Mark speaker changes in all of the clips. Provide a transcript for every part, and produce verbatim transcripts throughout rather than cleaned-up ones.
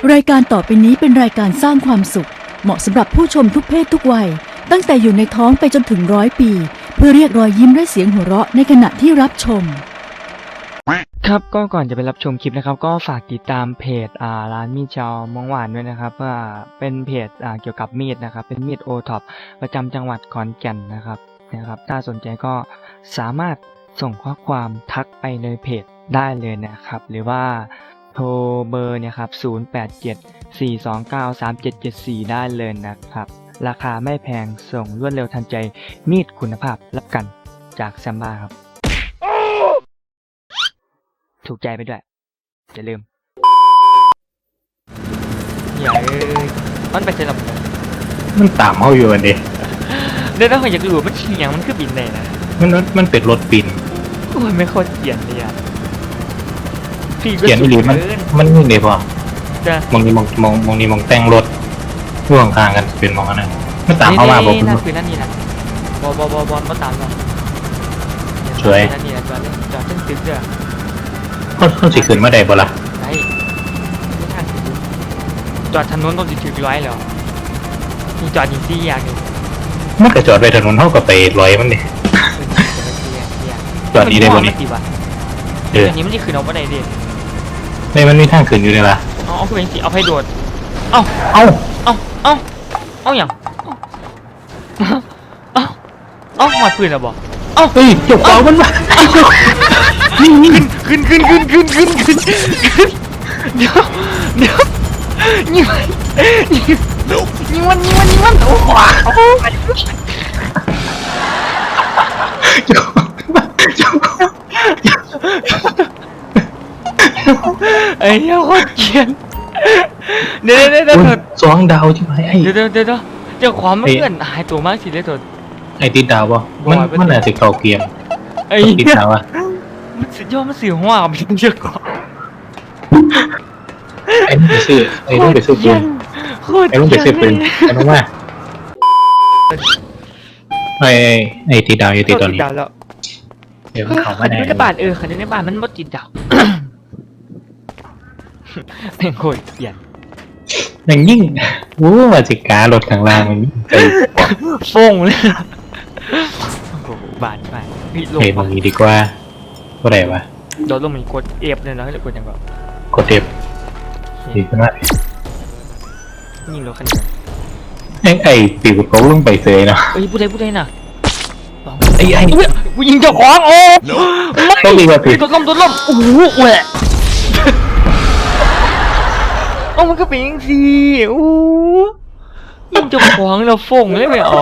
Speaker 1: รายการต่อไปนี้เป็นรายการสร้างความสุขเหมาะสำหรับผู้ชมทุกเพศทุกวัยตั้งแต่อยู่ในท้องไปจนถึงร้อยปีเพื่อเรียกรอยยิ้มและเสียงหัวเราะในขณะที่รับชม
Speaker 2: ครับก็ก่อนจะไปรับชมคลิปนะครับก็ฝากติดตามเพจอ่าร้านมีดชาวมองหวานด้วยนะครับว่าเป็นเพจอ่าเกี่ยวกับมีดนะครับเป็นมีดโอท็อปประจำจังหวัดขอนแก่นนะครับนะครับถ้าสนใจก็สามารถส่งข้อความทักไปในเพจได้เลยนะครับหรือว่าโทรเบอร์เนี่ยครับศูนย์ แปด เจ็ด สี่ สอง เก้า สาม เจ็ด เจ็ด สี่ได้เลยนะครับราคาไม่แพงส่งรวดเร็วทันใจมีดคุณภาพรับกันจากแซมบ้าครับถูกใจไปด้วยอย่าลืมอย่าเอ้ยมันไปเจอลำ
Speaker 3: มันตามเขาอยู่อันนี้
Speaker 2: เดี๋ยวถ้าคนอยากรู้มันเฉียงมันคือบินเลยนะ
Speaker 3: มันมันเป็นรถปิน
Speaker 2: โอ้ยไม่โคตรเขียนเลยอ่ะ
Speaker 3: เขียนอีหลีมันมันนี่เลยป่ะมองนี่มองมองมองนี่มองแต่งรถร่วงทางกันเป็นมองอันนั้นไม่ตามเขามาบอกคุณ
Speaker 2: นั่นคือนั่นนี่นะบอบอบอบอมาตามเรา
Speaker 3: สวย
Speaker 2: นั่นนี่นะจอดจอดตึ้งตึ้งเด้อ
Speaker 3: เขาเขาสิขึ้นมาได้บ่ล่ะ
Speaker 2: ได้ไม่ทางสิจอดถนนต้องสิถึงร้อยแล้วมีจอดยิงซี่อย่างนึง
Speaker 3: มันก็จอดไปถนนเท่ากับไปลอยมันดิจอดนี้ได้บ่นี่
Speaker 2: เอออันนี้มันจะขึ้นเอาไปไหนดิ
Speaker 3: ในมันมีทางขึ้นอยู่เลยล่ะ
Speaker 2: เอาเอาขึ้นสิเอาไปโดดเอา
Speaker 3: เอา
Speaker 2: เอาเอาเอาอย่างเอาเอาหมดปืนแล้วบ่เอา
Speaker 3: เฮ้ยจบเอามันมา
Speaker 2: ขึ้นขึ้นขึ้นขึ้นขึ้นขึ้นขึ้นเดี๋ยวเดี๋ยวนี่มันนี่มันนี่มันนี่มันโอ้โหไอ้เหี้ยโคตรเกลียดเดี๋ยวเดี๋ยวเดี๋ยว
Speaker 3: สองดาวใช่ไหมไอ้
Speaker 2: เดี๋ยวเดี๋ยวเดี๋ยวเดี๋ยวความมันเพื่อนหายตัวมากสิเลยตัว
Speaker 3: ไอ้ติดดาวป่ะมันมันอาจจะเก่าเกียม
Speaker 2: ไอ้
Speaker 3: ติดดาวอ่ะ
Speaker 2: มันสุดยอดมันเสียหัวกับมันเยอะกว่า
Speaker 3: ไอ้ลูกไปซื้อไอ้ลูกไปซื้อปืนไอ้ลูกไปซื้อปืนไอ้ลูกว่าไอ้ไอ้ติดดาวอยู่ติดตอนนี้เดี๋ยวเขามาได้
Speaker 2: ในบ้านเออคันในบ้านมันมดติดดาวเป็นโคตรเกลียด
Speaker 3: อย่างยิ่งโอ้มาจิการถข้างล่างมันใจ
Speaker 2: ฟงเลยโอ้โหบานไป
Speaker 3: เฮ้ยตรงนี้ดีกว่าก็ได้ปะ
Speaker 2: โดนลงมีกดเอฟเลยนะหรือกดยังไง
Speaker 3: กดเอฟดีขึ้นมา
Speaker 2: ยิงรถคันนี้
Speaker 3: ไอ้ไอ้ปิวเขาลงไปเซยเนาะ
Speaker 2: เอ้ยพูดได้พูดได้น่ะ
Speaker 3: ไอ้ไอ้
Speaker 2: กูยิงเจ้าของโอ้
Speaker 3: ต้องดีกว่าปิด
Speaker 2: ตัวล้มตัวล้มโอ้โหแหวะโอ้มันก็เป็นยังสิโอ้ยิงเจ้าของเราฟงเลยไหมอ๋อ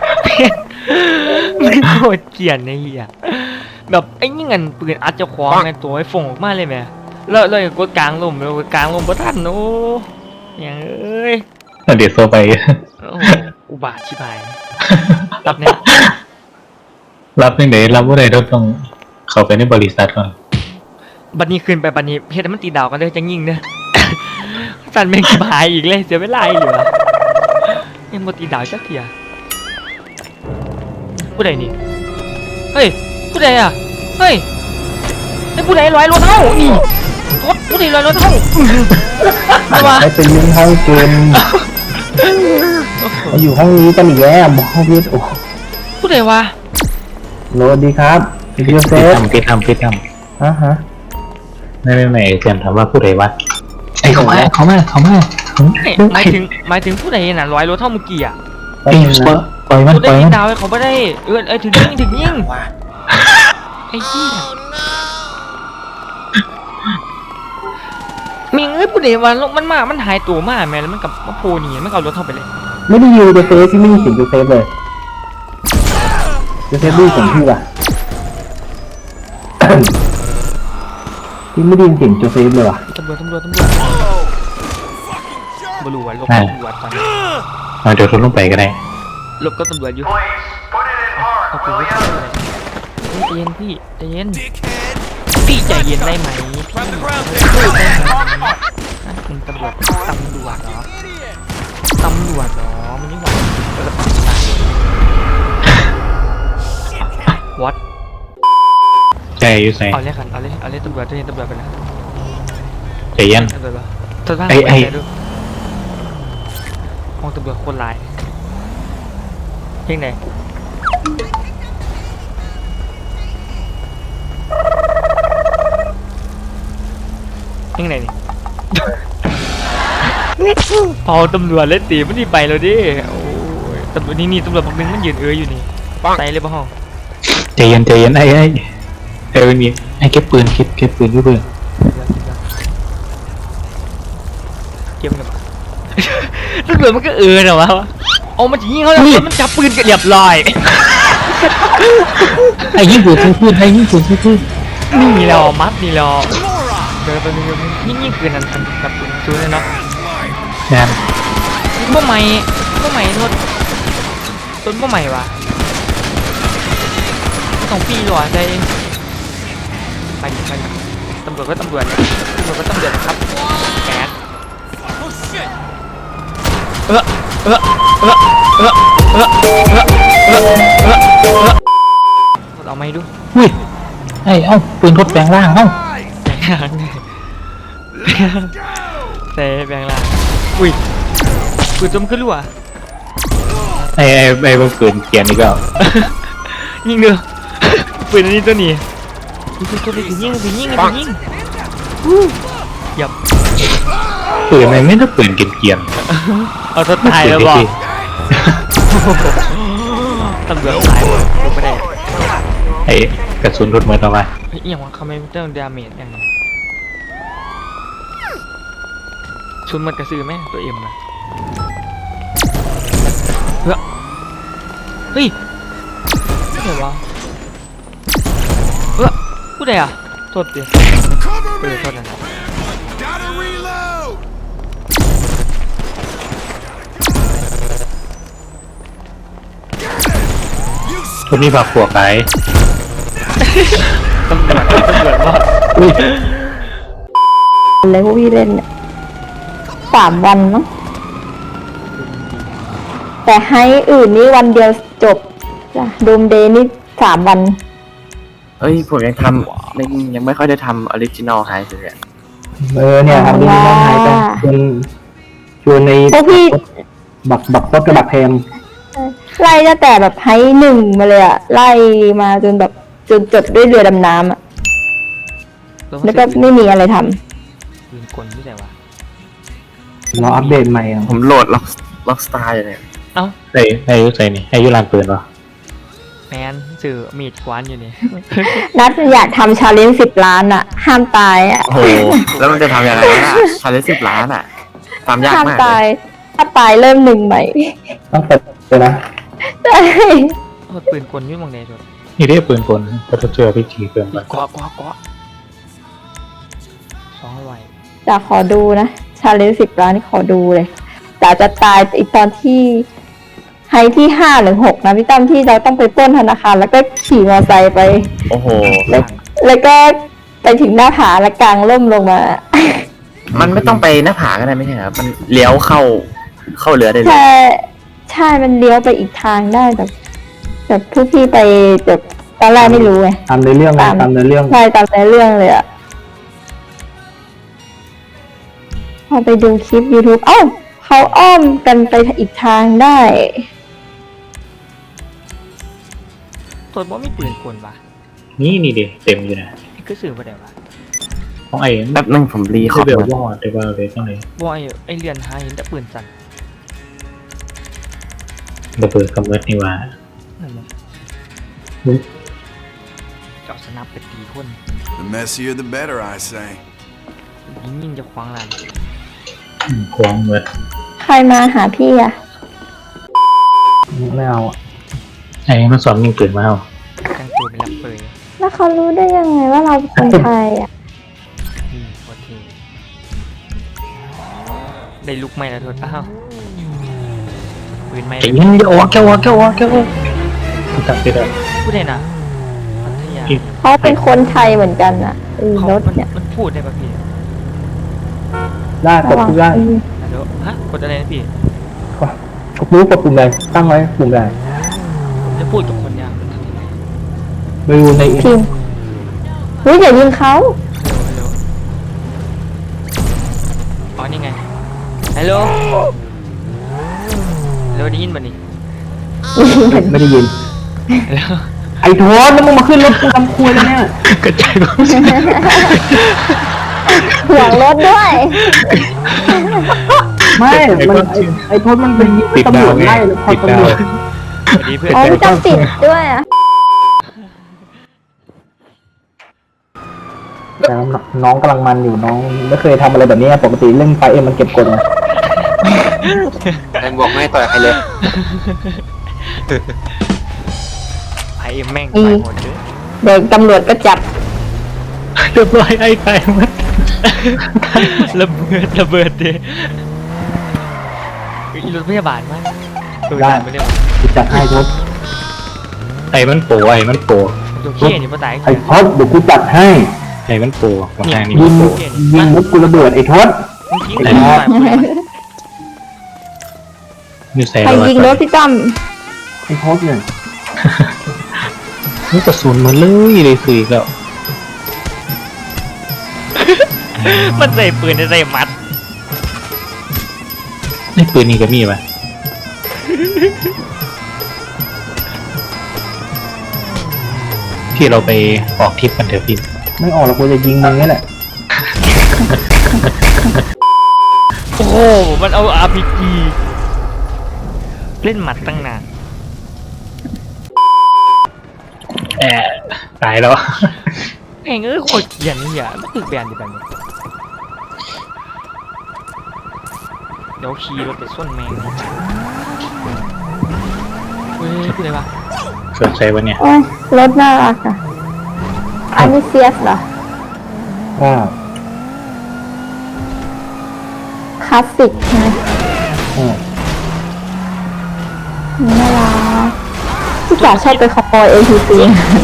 Speaker 2: มันโคตรเกลียดไอ้เหี้ยแบบไอ้นี่เงินปืนอัดเจ้าของไงตัวไอ้ฟงออกมาเลยไหมแล้วเลยกดกลางลมเลยกลางลมบ่ทันโอ้ยังเอ้ย
Speaker 3: เดี๋ยวโซไป
Speaker 2: อุบาทชิบหายรับเนี่ย
Speaker 3: รับยังไงรับว่าไหนเราต้องเข้าไปในบริษัทก่อน
Speaker 2: บัดนี้ขึ้นไปบัดนี้เพชรมันตีดาวกันเลยจะยิงเนี่ยสันแม่งชิบหายอีกเลยเสียเวลาอีกเหรอยังบ่ตีดาวจักเทียผู้ใดนี่เฮ้ยผู้ใดอ่ะเฮ้ยไอ้ผู้ใดลอยรถเท่านี่รถผู้ใดลอยรถเท่า
Speaker 4: ใครเป็นยิงห้องเกมมาอยู่ห้องนี้กันอีกแล้วมองพิษโอ้
Speaker 2: ผู้ใดวะ
Speaker 4: โหลดดีครับ
Speaker 3: พี่เซฟทำพี่ทำพี่ท
Speaker 4: ำฮะฮะ
Speaker 3: ไม่ไม่ไม่เจมถามว่าผู้ใดวะไอ้เขามาเขามาเขามา
Speaker 2: หมายถึงหมายถึงผู้ใดน่ะลอยรถเท่าเมื่อกี้อ่ะ
Speaker 3: ปล่อยมัน
Speaker 2: ปล่อย
Speaker 3: มัน
Speaker 2: ดาวเขาไม่ได้เออไอ้ถึงยิงถึงยิงไอ้เหี้ยมีเอ้ยผู้ใดวะมันมามันหายตัวมาแม่แล้วมันกับมาโพนี่มันเอารถเท่าไปเลย
Speaker 4: ไม่ได้ยูเดฟเฟสที่ไม่มีเสียงยูเซฟเลยยูเซฟดูเสียงพี่ว่ะที่ไม่ได้ยินเสียงยูเซฟเลยว่ะ
Speaker 2: ตำรวจตำรวจตำรวจบลูวะลบตำรวจตอนนี้
Speaker 3: เดี๋ยวทนลงไปก็ได้
Speaker 2: ลบก็ตำรวจอยู่เอาปืนไว้ใจเย็นพี่ใจเย็นพี่ใจเย็นได้ไหมพี่ได้ไหมนั่นเป็นตำรวจตำรวจเหรอตำรวจเหรอมันนี่หว่าวัด
Speaker 3: ใจอยู่ใส่
Speaker 2: เอาเลยกันเอาเลยเอาเลยตำรวจใจเย็นตำรวจไปนะ
Speaker 3: ใจเย็น
Speaker 2: ตำรวจปะทดบ้าง
Speaker 3: ไอ้ไอ้
Speaker 2: ปดูมองตำรวจคนร้ายเพ่งไหนเพ่งไหนนี่ พอตำรวจเล่นตีมันนี่ไปแล้วดิโอ้ยตำรวจนี่นี่ตำรวจบางนึงมันยืนเอ้ยอยู่นี่ใส่เลยป่ะฮะ
Speaker 3: ใจเย็นใจเย็นไอ้ไอ้ไอ้ไม่มีไอ้เก็บปืนเก็บเก็บปืนเก็บปืน
Speaker 2: เก็บกันมา ตำรวจมันก็เออเหรอวะเอามันจะยิงเขาแล้วมันจับปืนกันเรียบร้อย
Speaker 3: ไอ้ยิงปืนใส่ปืนไอ้ยิงปืนใส่ปืน
Speaker 2: นี่เรามัดนี่เราเดินไปเดินยิ่งยิ่งปืนนั้นจับปืนชูเลยเนาะ
Speaker 3: แอน
Speaker 2: เมื่อใหม่เมื่อใหม่รถต้นเมื่อใหม่วะสองปีหรอใจไปดิไปดิตำรวจก็ตำรวจตำรวจก็ตำรวจครับแก๊สเออเออเออเออเออเออเออเออเออเอาไม่ดู
Speaker 3: อุ้ยไอ้เอ้าปืนทดแปลงร่างเอ้า
Speaker 2: แบงล่างเซ่แบงล่างอุ้ยปืนจมขึ้นรั่ว
Speaker 3: ไอ้ไอ้ไอ้พวกปืนเกียร์นี่ก็
Speaker 2: ยิงเด้อปืนอันนี้ตัวนี้ยิงตัวนี้ยิงยิงยิงยิงยับ
Speaker 3: ปืนมันไม่ต้องปืนเกียร์เกียร์
Speaker 2: เอาตัวตายแล้วบอกตำรวจตายหมดไม่ได้
Speaker 3: ไอ้กระสุนรถมือต่อไป
Speaker 2: เฮ้ยอย่างว่าเขาไม่ต้องดาเมจอย่างนี้ชุนมันกระสือไหมตัวเอ็มอะเฮ้ยเฮ้ยเดี๋ยววะเฮ้ยพูดอะไรอ่ะโทษดิเออโทษนะ
Speaker 3: คนนี้ผักผัวไก่
Speaker 2: ตำรวจตำรวจว่า
Speaker 3: อุ้ย
Speaker 5: เลยพวกพี่เล่นเนี่ยสามวันมั้งแต่ให้อื่นนี่วันเดียวจบจ้ะดูมเดย์นี่สามวัน
Speaker 6: เอ้ยผมยังทำยังยังไม่ค่อยได้ทำออริจินอลไฮเลยอะ
Speaker 4: เออเนี่ยทำดีๆน้องหายไปชวนชวนใน
Speaker 5: พวกพี่
Speaker 4: บักบักรถกระบะแพม
Speaker 5: ไล่ตั้งแต่แบบให้หนึ่งมาเลยอะไล่มาจนแบบจนจบด้วยเรือดำน้ำอะแล้วก็ไม่มีอะไรทำ
Speaker 2: ปืนกลที่ไหนวะ
Speaker 4: รออัปเดตใหม่อ่ะ
Speaker 6: ผมโหลดล็อกล็อกสตาร์อยู่เนี่ย
Speaker 2: เอ้า
Speaker 3: ไอ้ไอ้ยุใส่นี่ไอ้ยุลานปืนวะ
Speaker 2: แมนสื่อมีดกวานอยู่นี่
Speaker 5: นัดอยากทำชาเลนจ์สิบล้านอะห้ามตายอะ
Speaker 6: โอ้โหแล้วมันจะทำยังไงล่ะชาเลนจ์สิบล้านอ่ะทำยาก
Speaker 5: ห้าม
Speaker 6: มาก
Speaker 5: ตา
Speaker 6: เลย ย
Speaker 5: ถ้าตายเริ่มหนึ่งใหม่
Speaker 4: ต้องเปิดเลยนะ
Speaker 5: ใช่
Speaker 2: โอ้ปืนกลยุ่งมองไหนจุด
Speaker 3: นี่ได้ปืนกลก็จะเจอพิธีเกินไป
Speaker 2: กวกวกวสองไว
Speaker 5: จะขอดูนะชาเลนจ์สิบล้านนี่ขอดูเลยแต่จะตายอีกตอนที่ไฮที่ห้าหรือหกนะพี่ตั้มที่เราต้องไปปล้นธนาคารแล้วก็ขี่มอเตอร์ไซค์ไป
Speaker 6: โอ้โห
Speaker 5: แล้วแล้วก็ไปถึงหน้าผาแล้วกางร่มลงมา
Speaker 6: มันไม่ต้องไปหน้าผาก็ได้ไม่ใช่เหรอมันเลี้ยวเข้าเข้าเรือได้เลย
Speaker 5: ใช่ใช่มันเลี้ยวไปอีกทางได้แบบแบบพวกพี่ไปแบบตอนแรกไม่รู้ไง
Speaker 4: ตามในเรื่องนะ
Speaker 5: ตาม
Speaker 4: ตามในเรื่อง
Speaker 5: ใช่ตามในเรื่องเลยอะพอไปดูคลิป YouTube เอ้าเขาอ้อมกันไปอีกทางได้
Speaker 2: ตัวบ่มีปืนกลวะ
Speaker 3: นี่นี่ดิเต็มอยู่นะ
Speaker 2: ไอ้ก็สื่อว่าไหนวะ
Speaker 3: ของไอ้
Speaker 6: แป๊บนึงผมรีคอ
Speaker 3: ที่
Speaker 6: ร์ด
Speaker 3: เบล
Speaker 6: ก่อน
Speaker 3: วอดได้ว่าเลยต้องไหน
Speaker 2: บอยไอ้เรียนหาเห็นแต่ปืนสั่น
Speaker 3: ระเบิดกำเนิดนี่ว่า
Speaker 2: นั่นมั้งเจาะสนับไปตีคน
Speaker 7: The messier the better, I say.
Speaker 2: ยิงยิงจะคว้างลาน
Speaker 3: ควงเงิน
Speaker 5: ใครมาหาพี่อะ
Speaker 4: ไม่เอาอะ
Speaker 3: ไอ้มันสอนยิงปืนมาเอา
Speaker 2: จังตัวเป็นลับเปย
Speaker 5: แล้วเขารู้ได้ยังไงว่าเราเป็นคนไทยอะ
Speaker 2: นี่โอเคได้ลุกไหมล่ะโทษอ้าวปืนไหม
Speaker 3: ไอ้ยิงจะออกแค่วอกแค่วอกแค่วอกจับไปเลย
Speaker 2: พูดได้นะพัทยา
Speaker 5: เขาเป็นคนไทยเหมือนกันอะเออ
Speaker 2: เขา
Speaker 5: รถ
Speaker 2: มัน
Speaker 5: เนี่ย
Speaker 2: มันพูดได้ป่ะพี่
Speaker 4: ได้กดทุกได้
Speaker 2: ฮัลโหลฮะกดอะไรนะพี่
Speaker 4: กดรู้กดปุ่มใดตั้งไว้ปุ่มใด
Speaker 2: ผมจะพูดกับคนยามมันทำยังไง
Speaker 4: ไปดูใน
Speaker 5: พิมพ์เฮ้ยอย่ายิงเขา
Speaker 2: ฮัลโหลฮัลโหลอ๋ออนี่ไงฮัลโหลฮัลโหลได้ยินป่ะนี่
Speaker 4: ไม่ได้ยิน
Speaker 2: ฮัลโหล
Speaker 4: ไอ้โทษแล้วมึงมาขึ้นรถกูทำคุยแล้วเนี่ย
Speaker 3: กระจายความ
Speaker 5: ห่วงรถด้วย
Speaker 4: ไม่มันไอ้ไอ้โทษมันเป็นตำรวจไล่แล้วพอตำรวจ
Speaker 2: สวัสดีเพื่อน
Speaker 5: อ๋อพี่ตั้มติดด้วยอ่ะ
Speaker 4: แต่น้องกำลังมันอยู่น้องไม่เคยทำอะไรแบบนี้ปกติเล่นไฟเอ็มมันเก็บกดไง
Speaker 6: แต่บอกไม่ให้ต่อยใครเลย
Speaker 2: ไอ้แม่งไปหมดเลย
Speaker 5: เดี๋ยวตำรวจก็จับ
Speaker 3: เรียบร้อยไอ้ตายหมด
Speaker 2: ระเบิดระเบิดดิอีรถพยาบาลมั้ยตัว
Speaker 4: ได้
Speaker 2: ด่านไปเรียกว่า
Speaker 4: กูจัดให้โทษ
Speaker 3: ไอ้มันโปไอ้มันโป
Speaker 2: ตัวเขี้ยนี่ป้าตาย
Speaker 4: ไอ้โทษเดี๋ยวกูจัดให้
Speaker 3: ไอ้มันโปมาทางนี้
Speaker 4: ยิ
Speaker 3: มัน
Speaker 4: ง
Speaker 3: โป
Speaker 4: ยิงรถกูระเบิดไอ้โทษ
Speaker 2: มึงทิ้งเลยตายไปเลย
Speaker 3: นี่ใส่
Speaker 5: ใครยิงรถพี่ตั้ม
Speaker 4: ไอ้โทษเนี่ย
Speaker 3: นี่กระสุนมันเลยเลยคืออีกแล้ว
Speaker 2: มันใส่ปืนใส่มัด
Speaker 3: นี่ปืนนี่ก็มีป่ะที่เราไปออกทริปกันเถอะพี่
Speaker 4: ไม่ออกแล้วกูจะยิงมึงนี่แหละ
Speaker 2: โอ้โหมันเอา อาร์ พี จี เล่นหมัดตั้งนาน
Speaker 3: แอบตายแล้ว
Speaker 2: แม่งเอ้ยโคตรเกลียดนี่อ่ะไม่ตึกแบนดิแบบนี้เดี๋ยวขี่รถไปส้นแมงเฮ้ยพูดอะไรวะ
Speaker 3: สนใจวะเนี่ย
Speaker 5: โอ้ยรถน่ารักอ่ะ อันนี้เซียสเหรอ
Speaker 4: ว่า
Speaker 5: คลาสสิกใช่ไหม
Speaker 4: เออ
Speaker 5: น่ารักพี่จ๋าชอบไปขโมย เอ ที ซี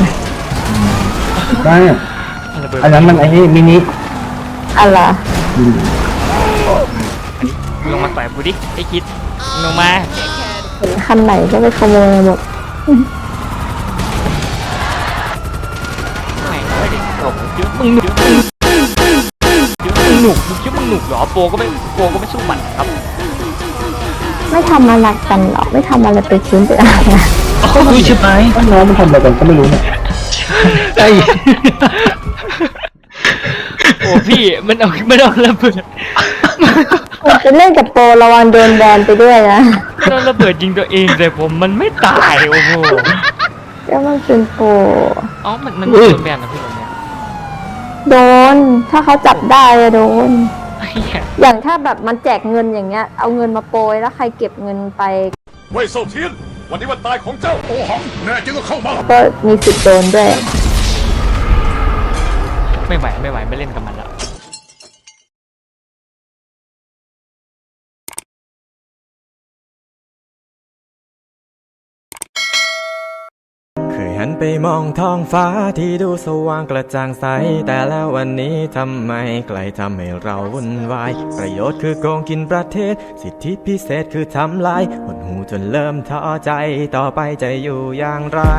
Speaker 4: ได้
Speaker 2: ระเบิด
Speaker 4: อันนั้นมันไอ้นี่มินิ
Speaker 5: อะไร
Speaker 4: อืม
Speaker 2: ลงมาต่อยกูดิไอ้คิดลงมา
Speaker 5: เห็นคันไหนก็ไปขโมยหมด
Speaker 2: แม่งเอ้ยตบเยอะมึงหนุกมึงหนุกมึงคิดมึงหนุกเหรอโปก็ไม่โปก็ไม่สู้มันครับ
Speaker 5: ไม่ทำอะไรกันหรอกไม่ทำอะไรไปชิ้นไปอะไรนะ
Speaker 3: อุ้ยชิบหาย
Speaker 4: น้องมันทำอะไรกันก็ไม่รู้เนี่ย
Speaker 3: ไอ้
Speaker 2: โอ้พี่มันเอามันเอาระเบิด
Speaker 5: มันจะเล่นกับโปรระวังโดนแบนไปด้วยนะ
Speaker 2: มันเอาระเบิดยิงตัวเองแต่ผมมันไม่ตายโอ้โห
Speaker 5: ก็มันเป็นโปร
Speaker 2: อ๋อมันมันโดนแบนนะพี่ผมเนี่ย
Speaker 5: โดน ถ้าเขาจับได้อะโดน
Speaker 2: ไอ้เหี้ย
Speaker 5: อย่างถ้าแบบมันแจกเงินอย่างเงี้ย เอาเงินมาโปรยแล้วใครเก็บเงินไป
Speaker 8: เว่ยเซาเทียน วันนี้วันตายของเจ้าโอหัง แน่จริงก็เข้ามา
Speaker 5: ก็มีสิทธิ์โดนด้วย
Speaker 2: ไม่ไหวไม่ไหวไม่เล่นกับมันแล้ว
Speaker 9: เคยหันไปมองท้องฟ้าที่ดูสว่างกระจ่างใส แต่แล้ววันนี้ทำไมไกลทำให้เราวุ่นวาย ประโยชน์คือโกงกินประเทศ สิทธิพิเศษคือทำลายหดหูจนเริ่มท้อใจ ต่อไปจะอยู่อย่างไร